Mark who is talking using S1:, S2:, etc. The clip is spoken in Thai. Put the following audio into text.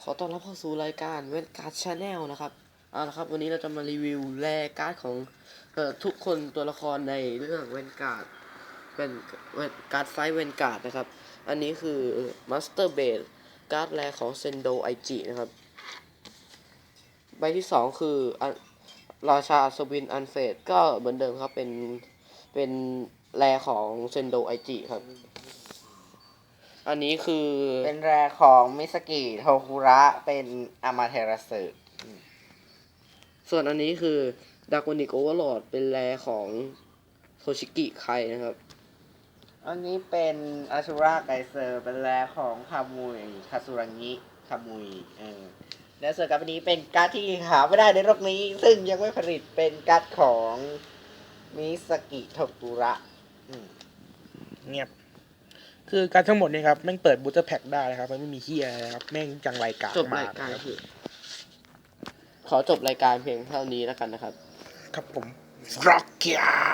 S1: อต้อนรับเข้าสู่รายการเวนการ์ดชาแนลนะครับเอาละครับวันนี้เราจะมารีวิวแรการ์ดของทุกคนตัวละครในเรื่องเวนการ์ดเป็นการ์ดไฟเวนการ์ดนะครับอันนี้คือมาสเตอร์เบดการ์ดแรของเซนโดไอจินะครับใบที่2คือราชาอัศวินอันเฟดก็เหมือนเดิมครับเป็นแรของเซนโดไอจิครับอันนี้คือ
S2: เป็นแรของมิสกิโทคุระเป็นอามาเทราสึ
S1: ส่วนอันนี้คือดากอนิกโอเวอร์ลอร์ดเป็นแรของโทชิกิไคนะครับ
S2: อันนี้เป็นอาชูราไกเซอร์เป็นแรของคามุยคาสุรังิคามุยและส่วนการ์ดนี้เป็นการ์ดที่หาไม่ได้ในโลกนี้ ซึ่งยังไม่ผลิตเป็นการ์ดของมิสกิโทคุระ
S3: เงียบคือการทั้งหมดเนี่ยครับแม่งเปิดบูตเตอร์แพ็กได้นะครับมันไม่มีเฮียอะไรนะครับแม่งจังรายการ
S1: จบรายการคือขอจบรายการเพียงเท่านี้แล้วกันนะครับ
S3: ครับผมร็อกเกีย